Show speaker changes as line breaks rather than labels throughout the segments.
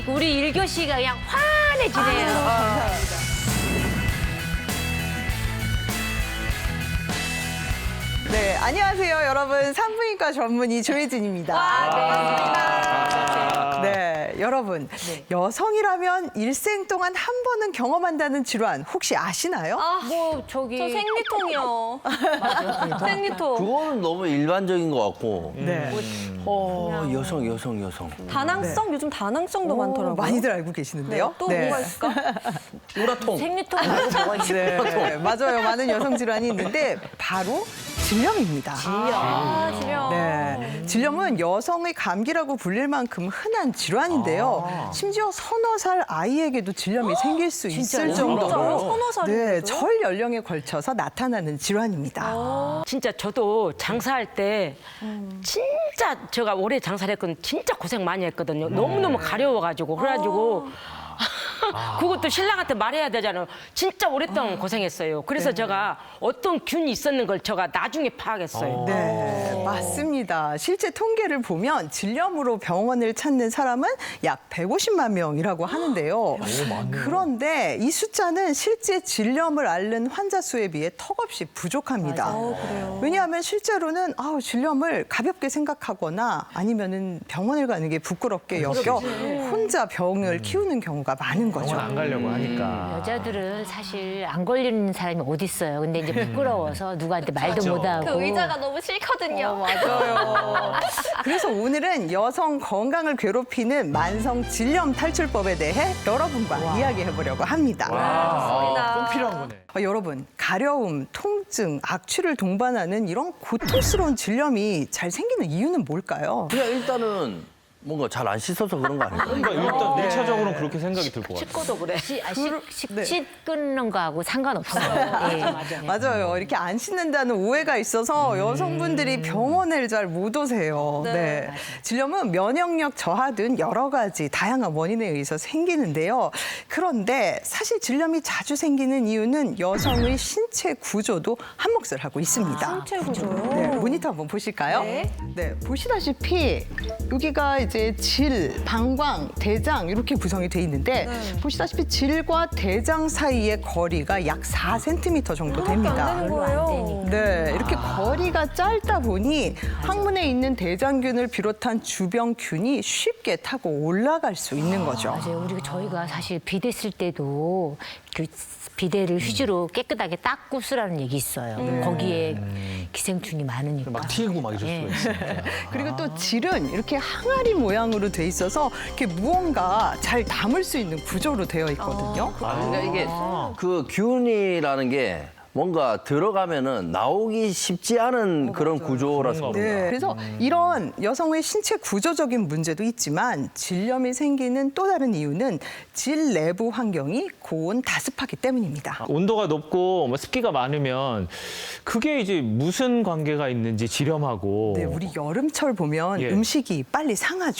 우리 1교시가 그냥 환해지네요.
네, 안녕하세요, 여러분. 산부인과 전문의 조혜진입니다. 네, 여러분. 여성이라면 일생 동안 한 번은 경험한다는 질환 혹시 아시나요?
뭐 저기
저 생리통이요. 맞아. 생리통.
그거는 너무 일반적인 것 같고.
네.
여성.
다낭성 요즘 다낭성도
오,
많더라고요.
많이들 알고 계시는데요.
또 뭐가 있을까?
우라통.
생리통 말고 뭐가 있어?
네, 맞아요. 많은 여성 질환이 있는데 바로 질염입니다.
질염.
네, 질염은 여성의 감기라고 불릴 만큼 흔한 질환인데요. 심지어 서너 살 아이에게도 질염이 생길 수 있을 정도로
서너 살인데도?
네, 절 연령에 걸쳐서 나타나는 질환입니다.
진짜 저도 장사할 때 진짜 제가 오래 장사를 했거든요. 진짜 고생 많이 했거든요. 너무너무 가려워가지고 그래가지고 그것도 신랑한테 말해야 되잖아요. 진짜 오랫동안 고생했어요. 그래서 제가 어떤 균이 있었는 걸 제가 나중에 파악했어요.
네, 맞습니다. 실제 통계를 보면 질염으로 병원을 찾는 사람은 약 150만 명이라고 하는데요. 그런데 이 숫자는 실제 질염을 앓는 환자 수에 비해 턱없이 부족합니다. 왜냐하면 실제로는 질염을 가볍게 생각하거나 아니면은 병원을 가는 게 부끄럽게 여겨 혼자 병을 키우는 경우가 많은 거죠.
병원 안 가려고 하니까.
여자들은 사실 안 걸리는 사람이 어디 있어요. 근데 이제 부끄러워서 누구한테 말도 못 하고.
그 의자가 너무 싫거든요.
맞아요. 그래서 오늘은 여성 건강을 괴롭히는 만성 질염 탈출법에 대해 여러분과 이야기해보려고 합니다.
꼭 필요한 거네.
여러분, 가려움, 통증, 악취를 동반하는 이런 고통스러운 질염이 잘 생기는 이유는 뭘까요?
그냥 일단은 뭔가 잘 안 씻어서 그런 거 아닐까요?
그러니까 일단 일차적으로는 그렇게 생각이 들 것 같아요.
씻고도 그래.
식치 끊는 거하고 상관없어요. 예.
맞아요. 이렇게 안 씻는다는 오해가 있어서 여성분들이 병원을 잘 못 오세요. 네. 질염은 면역력 저하 등 여러 가지 다양한 원인에 의해서 생기는데요. 그런데 사실 질염이 자주 생기는 이유는 여성의 신체 구조도 한몫을 하고 있습니다.
신체 구조요?
네, 모니터 한번 보실까요?
네.
네, 보시다시피 여기가 이제 질, 방광, 대장 이렇게 구성이 돼 있는데 보시다시피 질과 대장 사이의 거리가 약 4cm 정도 됩니다.
안 되는 거예요.
네, 이렇게 거리가 짧다 보니 항문에 있는 대장균을 비롯한 주변균이 쉽게 타고 올라갈 수 있는 거죠.
맞아요. 저희가 사실 비데 쓸 때도 그 비데를 휴지로 깨끗하게 닦고 쓰라는 얘기 있어요. 거기에 기생충이 많으니까.
막 튀고 막 이럴
예.
수가 있으니까.
그리고 또 질은 이렇게 항아리 모양으로 돼 있어서 이렇게 무언가 잘 담을 수 있는 구조로 되어 있거든요.
그러니까 이게 그 균이라는 게 뭔가 들어가면은 나오기 쉽지 않은 그런 구조라서 그런가.
네, 그래서 이런 여성의 신체 구조적인 문제도 있지만 질염이 생기는 또 다른 이유는 질 내부 환경이 고온 다습하기 때문입니다.
온도가 높고 뭐 습기가 많으면 그게 이제 무슨 관계가 있는지 질염하고.
네, 우리 여름철 보면
예.
음식이 빨리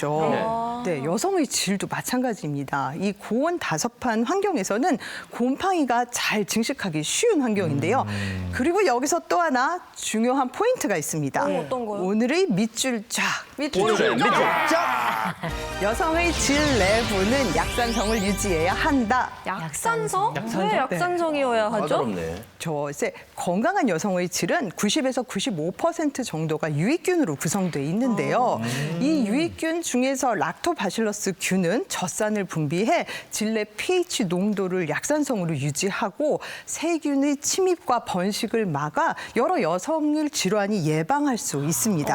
상하죠. 네, 여성의 질도 마찬가지입니다. 이 고온 다습한 환경에서는 곰팡이가 잘 증식하기 쉬운 환경인데요. 그리고 여기서 또 하나 중요한 포인트가 있습니다.
어떤 거요?
오늘의 밑줄 쫙.
오늘의 밑줄 쫙!
여성의 질 내부는 약산성을 유지해야 한다.
약산성?
약산성?
왜 약산성이어야 하죠?
까다롭네.
이제 건강한 여성의 질은 90에서 95% 정도가 유익균으로 구성돼 있는데요. 이 유익균 중에서 락토바실러스 균은 젖산을 분비해 질 내 pH 농도를 약산성으로 유지하고 세균의 침입과 번식을 막아 여러 여성의 질환이 예방할 수 있습니다.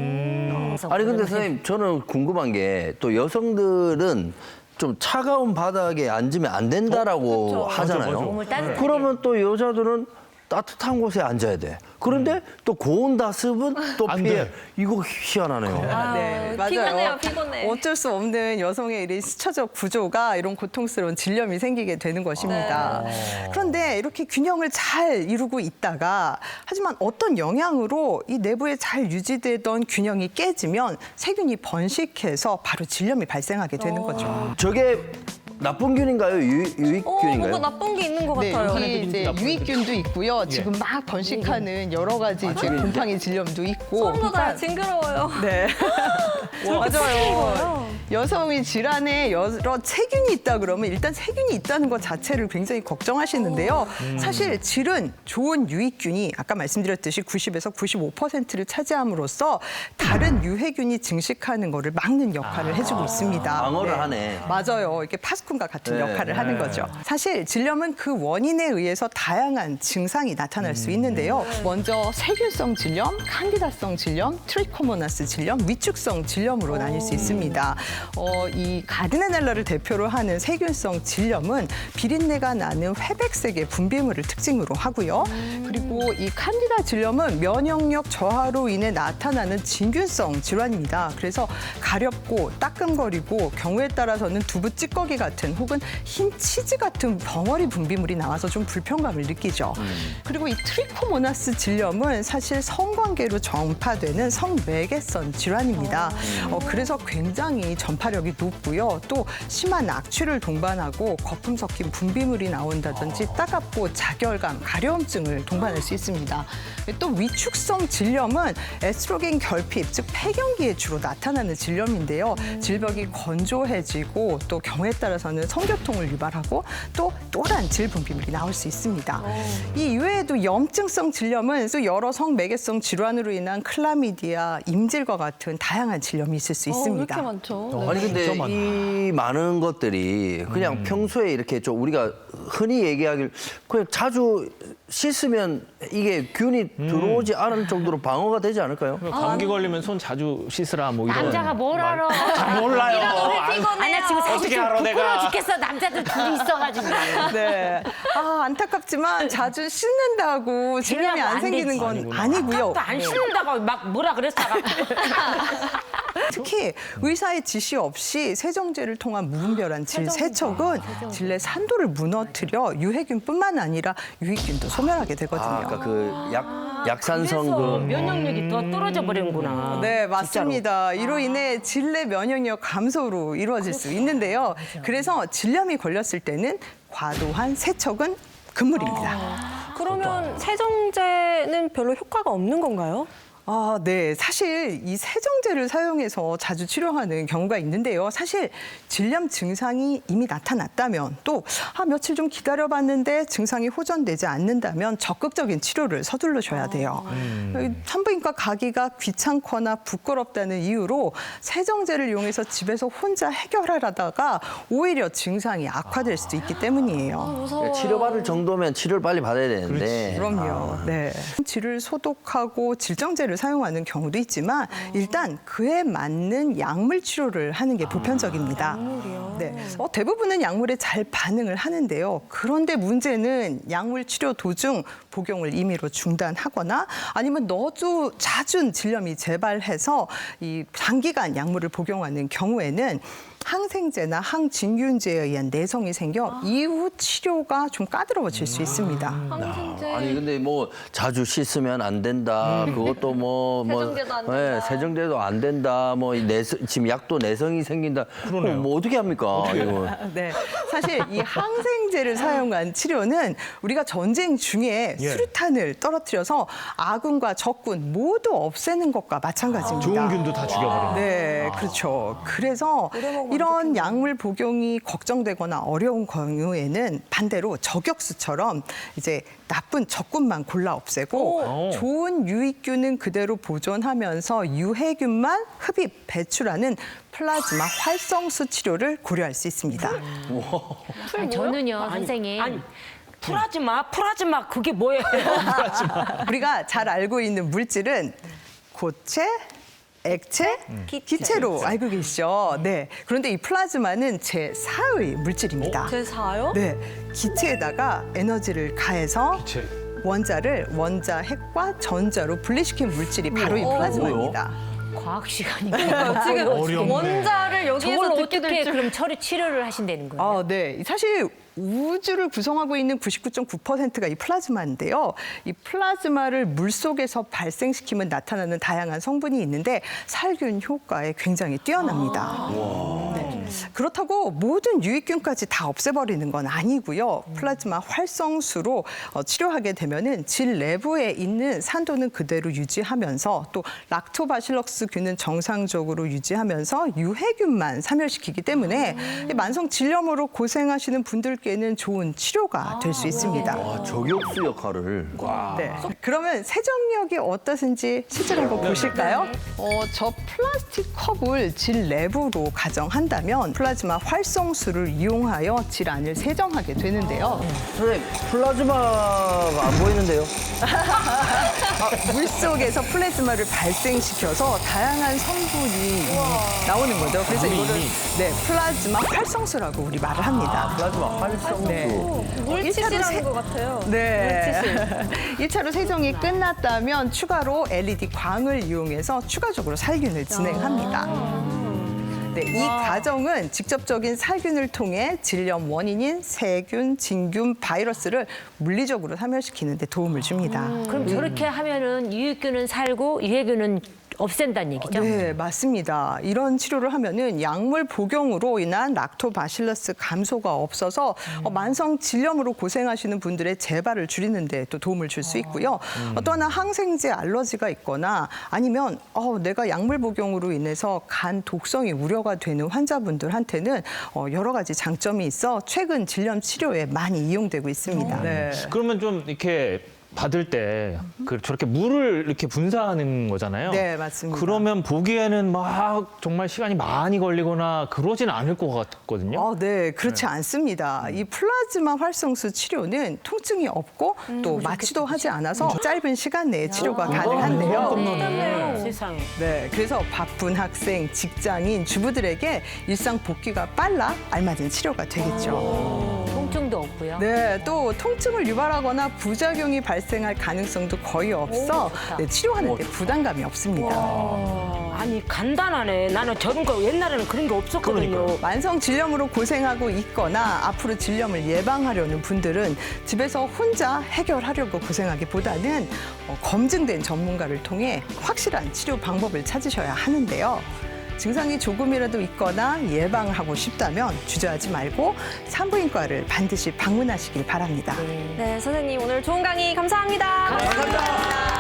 아니 근데 선생님 저는 궁금한 게 또 여성들은 좀 차가운 바닥에 앉으면 안 된다라고 하잖아요.
맞아.
몸을 따뜻하게.
그러면 또 여자들은 따뜻한 곳에 앉아야 돼. 그런데 또 고온 다습은 또
안
피해.
돼.
이거 희한하네요.
네,
피곤해요, 피곤해.
어쩔 수 없는 여성의 이런 시차적 구조가 이런 고통스러운 질염이 생기게 되는 것입니다. 그런데 이렇게 균형을 잘 이루고 있다가 하지만 어떤 영향으로 이 내부에 잘 유지되던 균형이 깨지면 세균이 번식해서 바로 질염이 발생하게 되는 거죠.
저게 나쁜 균인가요? 유익균인가요?
뭔가 나쁜 게 있는 것
네,
같아요.
여기 이제 유익균도 있고요. 지금 막 번식하는 여러 가지 이제 곰팡이 질염도 있고.
처음 보다 징그러워요.
네. 맞아요. 여성의 질환에 여러 세균이 있다 그러면 일단 세균이 있다는 것 자체를 굉장히 걱정하시는데요. 사실 질은 좋은 유익균이 아까 말씀드렸듯이 90에서 95%를 차지함으로써 다른 유해균이 증식하는 거를 막는 역할을 해주고 있습니다.
방어를 하네.
맞아요. 이렇게 파스콘과 같은
네.
역할을 하는 거죠. 사실 질염은 그 원인에 의해서 다양한 증상이 나타날 수 있는데요. 먼저 세균성 질염, 칸디다성 질염, 트리코모나스 질염, 위축성 질염으로 나뉠 수 있습니다. 이 가드네넬라를 대표로 하는 세균성 질염은 비린내가 나는 회백색의 분비물을 특징으로 하고요. 그리고 이 칸디다 질염은 면역력 저하로 인해 나타나는 진균성 질환입니다. 그래서 가렵고 따끔거리고 경우에 따라서는 두부 찌꺼기 같은 혹은 흰 치즈 같은 벙어리 분비물이 나와서 좀 불편감을 느끼죠. 그리고 이 트리코모나스 질염은 사실 성관계로 전파되는 성매개선 질환입니다. 그래서 굉장히 전파력이 높고요. 또 심한 악취를 동반하고 거품 섞인 분비물이 나온다든지 따갑고 자결감, 가려움증을 동반할 수 있습니다. 또 위축성 질염은 에스트로겐 결핍, 즉 폐경기에 주로 나타나는 질염인데요. 질벽이 건조해지고 또 경우에 따라서는 성교통을 유발하고 또 또한 질 분비물이 나올 수 있습니다. 이 이외에도 염증성 질염은 또 여러 성매개성 질환으로 인한 클라미디아, 임질과 같은 다양한 질염이 있을 수 있습니다.
이렇게 많죠.
아니 근데
진짜 많다.
이 많은 것들이 그냥 평소에 이렇게 좀 우리가 흔히 얘기하길 그냥 자주 씻으면 이게 균이 들어오지 않을 정도로 방어가 되지 않을까요?
감기 걸리면 손 자주 씻으라 뭐 이런.
남자가 뭘 알아?
잘 몰라요.
아니, 나 지금 사실
어떻게
좀
알아,
부끄러워
내가.
죽겠어. 남자들 둘이 있어가지고.
네. 안타깝지만 자주 씻는다고 질염이
그냥
안
안
생기는
되지.
건
아니구나.
아니고요.
또 안 씻는다고 막 뭐라 그랬다가
특히 의사의 지시 없이 세정제를 통한 무분별한 질 세척은 질 내 산도를 무너뜨려 유해균뿐만 아니라 유익균도 소멸하게 되거든요.
아까 그 약산성
그래서
그
면역력이 더 떨어져 버리는구나.
네, 맞습니다. 이로 인해 질 내 면역력 감소로 이루어질 수 있는데요. 그래서 질염이 걸렸을 때는 과도한 세척은 금물입니다.
그러면 세정제는 별로 효과가 없는 건가요?
네. 사실 이 세정제를 사용해서 자주 치료하는 경우가 있는데요. 사실 질염 증상이 이미 나타났다면 또 며칠 좀 기다려봤는데 증상이 호전되지 않는다면 적극적인 치료를 서둘러줘야 돼요. 산부인과 가기가 귀찮거나 부끄럽다는 이유로 세정제를 이용해서 집에서 혼자 해결하려다가 오히려 증상이 악화될 수도 있기 때문이에요.
무서워.
치료받을 정도면 치료를 빨리 받아야 되는데.
그럼요. 네. 질을 소독하고 질정제를 사용하는 경우도 있지만 일단 그에 맞는 약물 치료를 하는 게 보편적입니다. 네. 대부분은 약물에 잘 반응을 하는데요. 그런데 문제는 약물 치료 도중 복용을 임의로 중단하거나 아니면 너무 잦은 질염이 재발해서 이 장기간 약물을 복용하는 경우에는 항생제나 항진균제에 의한 내성이 생겨 이후 치료가 좀 까다로워질 수 있습니다.
항생제.
아니 근데 뭐 자주 씻으면 안 된다. 그것도
세정제도 안 된다.
세정제도 안 된다. 지금 약도 내성이 생긴다. 그럼 뭐 어떻게 합니까? 이거.
네, 사실 이 항생제를 사용한 치료는 우리가 전쟁 중에 수류탄을 떨어뜨려서 아군과 적군 모두 없애는 것과 마찬가지입니다.
좋은 균도 다 죽여버리는.
네, 그렇죠. 그래서 이런 약물 복용이 걱정되거나 어려운 경우에는 반대로 저격수처럼 이제 나쁜 적군만 골라 없애고 좋은 유익균은 그대로 보존하면서 유해균만 흡입, 배출하는 플라즈마 활성수 치료를 고려할 수 있습니다.
저는요, 선생님.
아니 풀하지 마 그게 뭐예요?
우리가 잘 알고 있는 물질은 고체, 액체, 기체로 알고 계시죠? 네. 그런데 이 플라즈마는 제4의 물질입니다.
제4요?
네. 기체에다가 에너지를 가해서 원자를 원자핵과 전자로 분리시킨 물질이 바로 이 플라즈마입니다.
과학 시간이니까.
지금
어렵네.
원자를 여기에서
저걸
듣게
어떻게
될 줄.
그럼 치료를 하신다는 거예요?
네. 사실 우주를 구성하고 있는 99.9%가 이 플라즈마인데요. 이 플라즈마를 물속에서 발생시키면 나타나는 다양한 성분이 있는데 살균 효과에 굉장히 뛰어납니다. 네. 그렇다고 모든 유익균까지 다 없애버리는 건 아니고요. 플라즈마 활성수로 치료하게 되면은 질 내부에 있는 산도는 그대로 유지하면서 또 락토바실러스 균은 정상적으로 유지하면서 유해균만 사멸시키기 때문에 이 만성 질염으로 고생하시는 분들께는 좋은 치료가 될 수 있습니다.
아, 저격수 역할을.
네. 그러면 세정력이 어떠신지 실제로 한번 보실까요? 저 플라스틱 컵을 질 내부로 가정한다면 플라즈마 활성수를 이용하여 질환을 세정하게 되는데요.
선생님, 플라즈마가 안 보이는데요?
물속에서 플라즈마를 발생시켜서 다양한 성분이 나오는 거죠. 그래서 이거를 플라즈마 활성수라고 우리 말을 합니다.
플라즈마 활성수.
네.
물티슈라는 것 같아요.
네. 1차로 세정이 끝났다면 추가로 LED 광을 이용해서 추가적으로 살균을 진행합니다. 네, 이 과정은 직접적인 살균을 통해 질염 원인인 세균, 진균, 바이러스를 물리적으로 사멸시키는 데 도움을 줍니다.
그럼 저렇게 하면은 유해균은 살고 유해균은 없앤다는 얘기죠?
네, 맞습니다. 이런 치료를 하면은 약물 복용으로 인한 락토바실러스 감소가 없어서 만성 질염으로 고생하시는 분들의 재발을 줄이는 데 또 도움을 줄 수 있고요. 또 하나 항생제 알러지가 있거나 아니면 내가 약물 복용으로 인해서 간 독성이 우려가 되는 환자분들한테는 여러 가지 장점이 있어 최근 질염 치료에 많이 이용되고 있습니다. 네.
그러면 좀 이렇게 받을 때 저렇게 물을 이렇게 분사하는 거잖아요.
네, 맞습니다.
그러면 보기에는 막 정말 시간이 많이 걸리거나 그러진 않을 것 같거든요.
네, 그렇지 않습니다. 이 플라즈마 활성수 치료는 통증이 없고 또 마취도 하지 않아서 짧은 시간 내에 치료가 가능한데요.
세상에.
네, 그래서 바쁜 학생, 직장인, 주부들에게 일상 복귀가 빨라 알맞은 치료가 되겠죠.
통증도 없고요.
네, 또 통증을 유발하거나 부작용이 발생할 가능성도 거의 없어 치료하는 데 부담감이 없습니다.
아니 간단하네. 나는 저런 거 옛날에는 그런 게 없었거든요.
만성 질염으로 고생하고 있거나 앞으로 질염을 예방하려는 분들은 집에서 혼자 해결하려고 고생하기보다는 검증된 전문가를 통해 확실한 치료 방법을 찾으셔야 하는데요. 증상이 조금이라도 있거나 예방하고 싶다면 주저하지 말고 산부인과를 반드시 방문하시길 바랍니다.
네, 선생님 오늘 좋은 강의 감사합니다.
감사합니다.